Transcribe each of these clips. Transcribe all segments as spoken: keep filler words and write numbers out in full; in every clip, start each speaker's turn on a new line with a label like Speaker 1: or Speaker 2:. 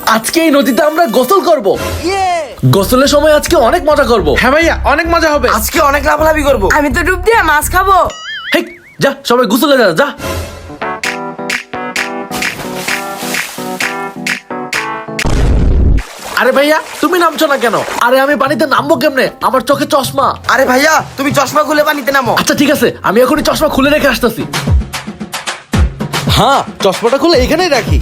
Speaker 1: আজকে এই নদীতে আমরা গোসল করব। গোসলের সময় আজকে অনেক মজা করব।
Speaker 2: হ্যাঁ ভাইয়া, অনেক মজা হবে।
Speaker 3: আজকে অনেক লাভালাভি করবো।
Speaker 4: আমি তো ডুব দিয়ে মাছ খাবো।
Speaker 1: হেই, যা সবাই গোসলে যা যা। আরে ভাইয়া তুমি নামছো না কেন? আরে আমি পানিতে নামবো কেমনে? আমার চোখে চশমা।
Speaker 3: আরে ভাইয়া, তুমি চশমা খুলে পানিতে নামো।
Speaker 1: আচ্ছা ঠিক আছে, আমি এখনই চশমা খুলে রেখে আসতেছি।
Speaker 2: হ্যাঁ, চশমাটা খুলে এখানেই রাখি।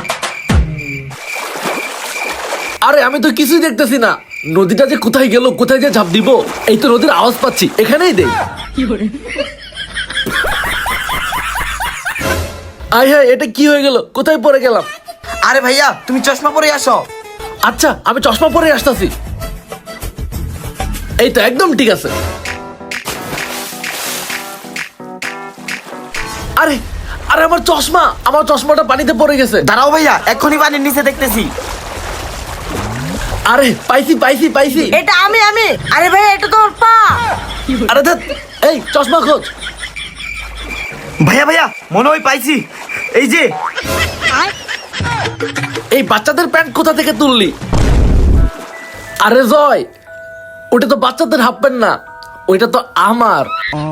Speaker 1: আরে আমি তো কিছুই দেখতেছি না। নদীটা যে কোথায় গেল, কোথায় যে ঝাঁপ দিব? এই তো নদীর আওয়াজ পাচ্ছি, এখানেই দেই। আয় হ্যাঁ, এটা কি হয়ে গেল? কোথায় পড়ে গেলাম?
Speaker 3: আরে ভাইয়া, তুমি চশমা পরে আসো।
Speaker 1: আচ্ছা আমি চশমা পরে আসতেছি। এই তো একদম ঠিক আছে। আরে আরে আমার চশমা, আমার চশমাটা পানিতে পড়ে গেছে।
Speaker 3: দাঁড়াও ভাইয়া, এক্ষুনি পানির নিচে দেখতেছি।
Speaker 1: আরে পাইছি পাইছি পাইছি।
Speaker 4: এটা আমি আমি আরে ভাই, এটা তোর পা।
Speaker 1: আরে ধ্যাৎ, এই চশমা খোঁজ।
Speaker 3: ভাইয়া ভাইয়া, মনে হয় পাইছি। এই যে
Speaker 1: এই বাচ্চাদের প্যান্ট কোথা থেকে তুললি? আরে জয়, ওটা তো বাচ্চাদের হাফ প্যান্ট না, ওইটা তো আমার।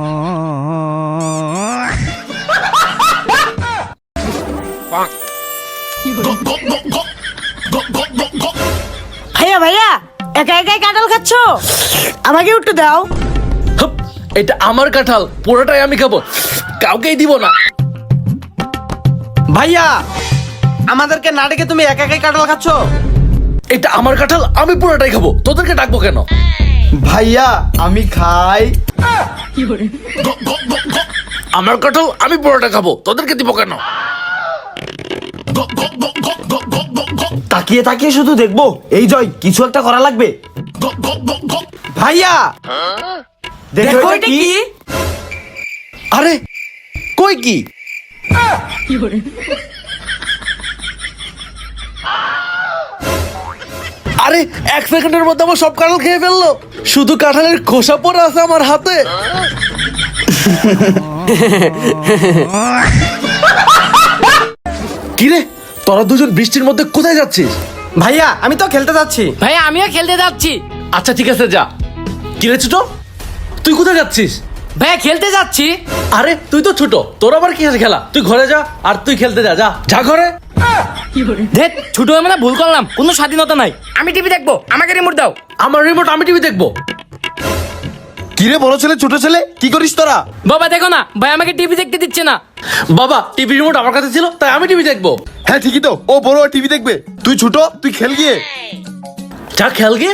Speaker 4: ভাইয়া ভাইয়া, একা একাই কাঁঠাল খাচ্ছ, আমাকে একটু দাও।
Speaker 1: হুপ, এটা আমার কাঁঠাল, পুরোটাই আমি খাবো, কাউকেই দিব না।
Speaker 2: ভাইয়া, আমাদেরকে না ডেকে তুমি একা একাই কাঁঠাল খাচ্ছ?
Speaker 1: এটা আমার কাঁঠাল, আমি পুরোটাই খাবো, তোদেরকে ডাকবো কেন?
Speaker 3: ভাইয়া, আমি খাই।
Speaker 1: আমার কাঁঠাল আমি পুরোটা খাবো, তোদেরকে দিব কেন?
Speaker 3: তাকিয়ে তাকিয়ে শুধু দেখবো? এই জয়, কিছু একটা করা লাগবে।
Speaker 2: ভাইয়া
Speaker 3: দেখো
Speaker 4: দেখো
Speaker 3: এটা
Speaker 4: এটা
Speaker 3: কি?
Speaker 4: কি?
Speaker 2: আরে কই কি?
Speaker 1: আরে এক সেকেন্ডের মধ্যে আমার সব কাঁঠাল খেয়ে ফেললো, শুধু কাঁঠালের খোসা পড়ে আছে আমার হাতে। কিরে, তোরা দুজন বৃষ্টির মধ্যে কোথায় যাচ্ছিস?
Speaker 2: ভাইয়া, আমি তো খেলতে যাচ্ছি।
Speaker 4: ভাই আমিও খেলতে যাচ্ছি।
Speaker 1: আচ্ছা ঠিক আছে যা। কিরে ছোট, তুই কোথায় যাচ্ছিস?
Speaker 4: ভাইয়া খেলতে যাচ্ছি।
Speaker 1: আরে তুই তো ছোট, তোর আবার কি আছে খেলা? তুই ঘরে যা, আর তুই খেলতে যা, যা যা ঘরে।
Speaker 4: দেখ, ছোট হয়ে মানে ভুল করলাম, কোনো স্বাধীনতা নাই। আমি টিভি দেখবো, আমাকে রিমোট দাও।
Speaker 1: আমার রিমোট, আমি টিভি দেখবো।
Speaker 2: কিরে বড় ছেলে ছোট ছেলে, কি করিস তোরা?
Speaker 4: বাবা দেখো না, ভাই আমাকে টিভি দেখতে দিচ্ছে না।
Speaker 1: বাবা, টিভি রিমোট আমার কাছে ছিল, তাই আমি টিভি দেখবো।
Speaker 2: হ্যাঁ ঠিকই তো, ও বড় টিভি দেখবে, তুই ছোট, তুই খেল গিয়ে।
Speaker 1: যা খেল গে,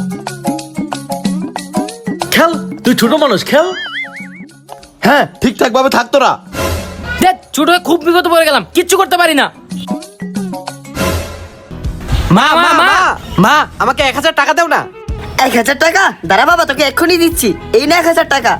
Speaker 1: খেল, তুই ছোট মানুষ, খেল।
Speaker 2: হ্যাঁ ঠিকঠাক ভাবে থাক তোরা।
Speaker 4: দেখ, ছোট হয়ে খুব বিপদে পড়ে গেলাম, কিচ্ছু করতে পারি না।
Speaker 2: মা মা মা মা, আমাকে এক হাজার টাকা দাও না।
Speaker 5: এক হাজার টাকা? দাঁড়া বাবা, তোকে এক্ষুনি দিচ্ছি। এই না এক হাজার টাকা।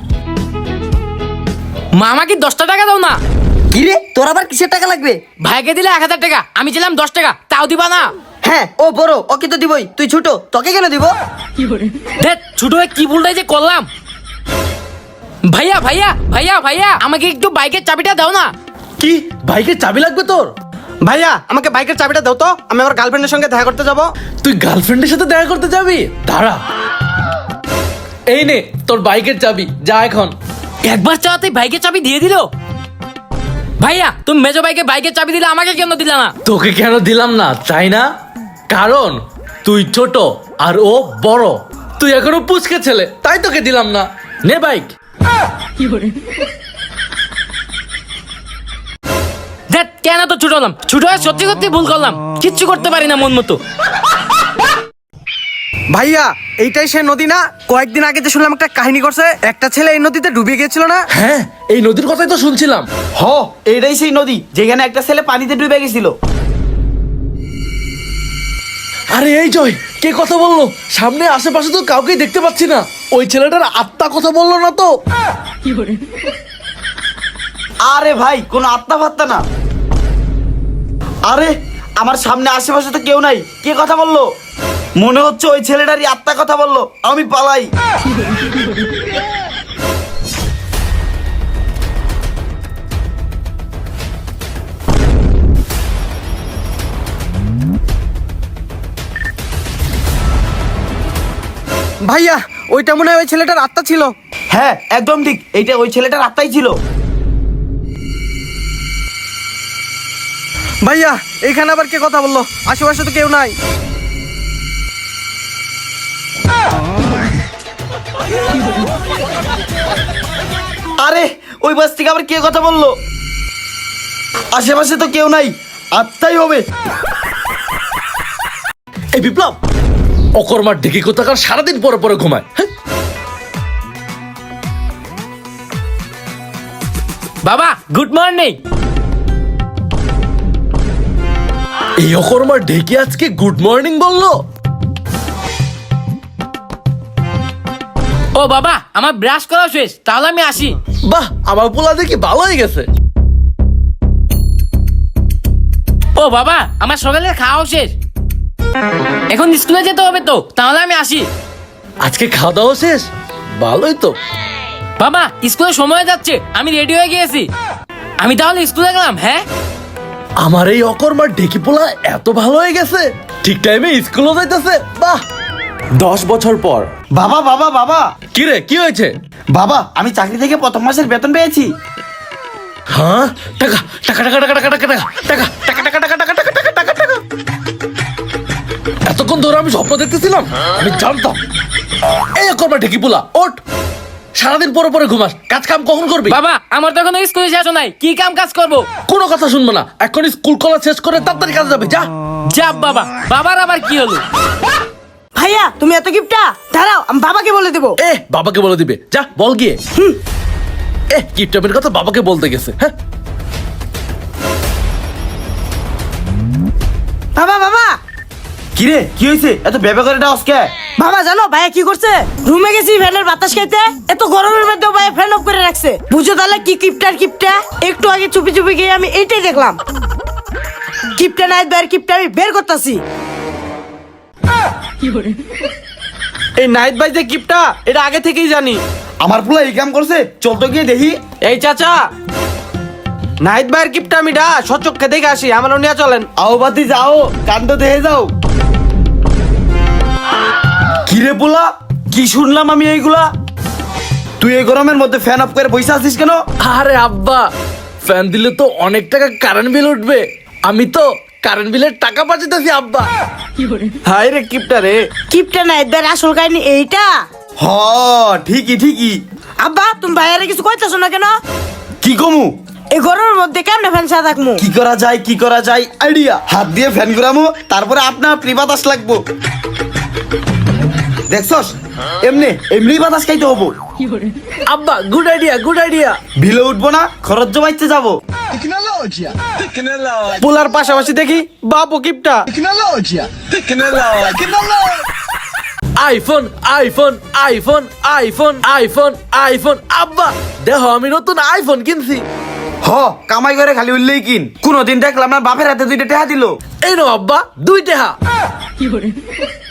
Speaker 4: মা আমাকে দশটা টাকা দাও না।
Speaker 5: কি রে, তোর আবার কিসের টাকা লাগবে?
Speaker 4: ভাইকে দিলে এক হাজার টাকা, আমি ছিলাম দশ টাকা, তাও দিবা না?
Speaker 5: হ্যাঁ, ও বড়, ওকে তো দিবই। তুই ছোট, তোকে কেন দিব?
Speaker 4: দেখ, ছোট হয়ে কি ভুলটাই যে করলাম। ভাইয়া ভাইয়া ভাইয়া ভাইয়া, আমাকে একটু বাইকের চাবিটা দাও না।
Speaker 1: কি, বাইকের চাবি লাগবে তোর?
Speaker 2: ভাইয়া, আমাকে বাইকের চাবিটা দাও তো, আমি আমার গার্লফ্রেন্ডের সঙ্গে দেখা করতে যাব।
Speaker 1: তুই গার্লফ্রেন্ডের সাথে দেখা করতে যাবি? দাঁড়া, এই নে তোর বাইকের চাবি, যা এখন।
Speaker 4: একবার চাওয়াতেই বাইকের চাবি দিয়ে দিল। ভাইয়া, তুমি মেজো বাইকে বাইকের চাবি দিলে, আমাকে কেন দিলা না?
Speaker 1: তোকে কেন দিলাম না তাই না? কারণ তুই ছোট আর ও বড়, তুই এখনো পুচকে ছেলে, তাই তোকে দিলাম না। নে বাইক।
Speaker 4: দেখ, কেন তো ছোট হলাম, ছোট হয়ে সত্যি সত্যি ভুল করলাম, কিচ্ছু করতে পারি না মন মতো।
Speaker 2: ভাইয়া, এইটাই সে নদী না? কয়েকদিন আগে যে শুনলাম একটা কাহিনী করছে, একটা ছেলে এই নদীতে ডুবে গিয়েছিল না?
Speaker 1: হ্যাঁ, এই নদীর কথাই তো শুনছিলাম।
Speaker 3: হ, এইটাই সেই নদী যেখানে একটা ছেলে পানিতে ডুবে গেছিল।
Speaker 1: আরে এই জয়, কে কথা বললো? সামনে আশেপাশে তো কাউকেই দেখতে পাচ্ছি না। ওই ছেলেটার আত্মা কথা বললো না তো?
Speaker 3: আরে ভাই, কোনো আত্মা ফাত্তা না। আরে আমার সামনে আশেপাশে তো কেউ নাই, কে কথা বললো? মনে হচ্ছে ওই ছেলেটারই আত্মা কথা বললো। আমি পালাই।
Speaker 2: ভাইয়া ওইটা মনে হয় ওই ছেলেটার আত্মা ছিল।
Speaker 3: হ্যাঁ একদম ঠিক, এইটা ওই ছেলেটার আত্মাই ছিল।
Speaker 2: ভাইয়া এখানে আবার কে কথা বললো? আশেপাশে তো কেউ নাই।
Speaker 3: আরে ওই বাস থেকে আবার কে কথা বললো? আশেপাশে তো কেউ নাই, আত্মাই হবে।
Speaker 1: এই বিপ্লব, অকর্মার ঢেকি কোথাকার সারাদিন পরে পরে ঘুমায়। হ্যাঁ?
Speaker 4: বাবা গুড মর্নিং।
Speaker 1: এই অকর্মার ঢেকি আজকে গুড মর্নিং বললো?
Speaker 4: ও বাবা আমার ব্রাশ করা শেষ, তাহলে আমি আসি।
Speaker 1: বাহ, আমার পোলা দেখি ভালো হয়ে গেছে।
Speaker 4: ও বাবা আমার সকালের খাওয়া শেষ, এখন স্কুলে যেতে হবে তো, তাহলে আমি আসি।
Speaker 1: আজকে খাওয়া দাওয়া শেষ? ভালোই তো।
Speaker 4: বাবা স্কুলে সময় যাচ্ছে, আমি রেডি হয়ে গিয়েছি, আমি তাহলে স্কুলে গেলাম। হ্যাঁ
Speaker 1: আমার এই অকর্মার ঢেকি পোলা এত ভালো হয়ে গেছে, ঠিক টাইমে স্কুলও যাইতেছে। বাহ। দশ বছর পর।
Speaker 3: বাবা বাবা বাবা
Speaker 1: কি রে, কি হয়েছে?
Speaker 3: বাবা আমি চাকরি থেকে প্রথম মাসের বেতন পেয়েছি।
Speaker 1: হ্যাঁ, টাকা টাকা টাকা টাকা টাকা টাকা টাকা টাকা টাকা টাকা টাকা টাকা টাকা টাকা টাকা টাকা। এতক্ষণ ধরে আমি স্বপ্ন দেখতেছিলাম, আমি জানতাম। এই অকর্মার ঢেকি পোলা, ওঠ। সারাদিন পরে পরে ঘুমাস, কাজ কাম কখন করবি?
Speaker 4: বাবা আমার তো এখনো স্কুলে শেষ নাই, কি কাম কাজ করবো?
Speaker 1: কোনো কথা শুনবো না, এখন স্কুল কলেজ শেষ করে তাড়াতাড়ি কাজে যাবে, যা।
Speaker 4: যা বাবা। বাবার আবার কি হলো?
Speaker 5: ভাইয়া তুমি এত গিফটটা দাঁড়াও, আমি বাবাকে বলে দেবো।
Speaker 1: এ বাবাকে বলে দিবে, যা বল গিয়ে। এ কিপটাপের কথা বাবাকে বলতে গেছে। হ্যাঁ,
Speaker 5: বাবা বাবা
Speaker 3: কিরে কি হয়েছে, এত বেবে করে ডাউস কে?
Speaker 5: বাবা জানো ভাইয়া কি করছে? রুমে গেছি ফ্যানের বাতাস খাইতে, এত গরমের মধ্যেও ভাইয়া ফ্যান অফ করে রাখছে। বুঝো তাহলে কি কিপটার কিপটা। একটু আগে চুপি চুপি গিয়ে আমি এইটাই দেখলাম। কিপটা নাই বের, কিপটা আমি বের করতেছি।
Speaker 2: এই নাইট বাই যে গিফটটা, এটা আগে থেকেই জানি।
Speaker 3: আমার পুলা এই কাম করছে, চল তো গিয়ে দেখি।
Speaker 2: এই চাচা, নাইট বাইয়ের গিফটটা আমি ডা সচক্ষে দেখে আসি, আমার নিয়ে চলেন।
Speaker 3: আও বাতি যাও, কাণ্ড দেখে যাও। কিরে পোলা, কি শুনলাম আমি এইগুলা? তুই এই গরমের মধ্যে ফ্যান অফ করে বসে আছিস কেন?
Speaker 1: আরে আব্বা, ফ্যান দিলে তো অনেক টাকা কারেন্ট বিল উঠবে, আমি তো কারেন্ট বিলের টাকা বাঁচাতেছি আব্বা।
Speaker 2: হাই রে কিপটা রে।
Speaker 5: কিপটা নাই বের আসল কাহিনী এইটা।
Speaker 3: হ ঠিকই ঠিকই।
Speaker 5: আব্বা তুমি ভাইয়ারে কিছু কইতাছো না কেন?
Speaker 3: কি কমু?
Speaker 5: এই গরমের মধ্যে কেমনে ফ্যান ছাড়া থাকমু?
Speaker 3: কি করা যায় কি করা যায় আইডিয়া। হাত দিয়ে ফ্যান ঘুরামু, তারপরে আপনা আপনি বাতাস লাগবো। দেখছস, এমনি এমনি বাতাস খাইতে হবো।
Speaker 1: আব্বা গুড আইডিয়া, গুড আইডিয়া।
Speaker 3: বিলে উঠবো না, খরচ জমাইতে যাবো।
Speaker 2: পোলার পাশাপাশি দেখি বাবু গিফটটা।
Speaker 1: IPhone iPhone iPhone iPhone iPhone iPhone. আব্বা দেখো আমি নতুন আইফোন কিনছি।
Speaker 3: হ কামাই করে খালি উঠলেই কিন। কোনদিন দেখলাম না বাপের হাতে দুইটা টাকা দিল।
Speaker 1: এই নো আব্বা, দুই টাকা।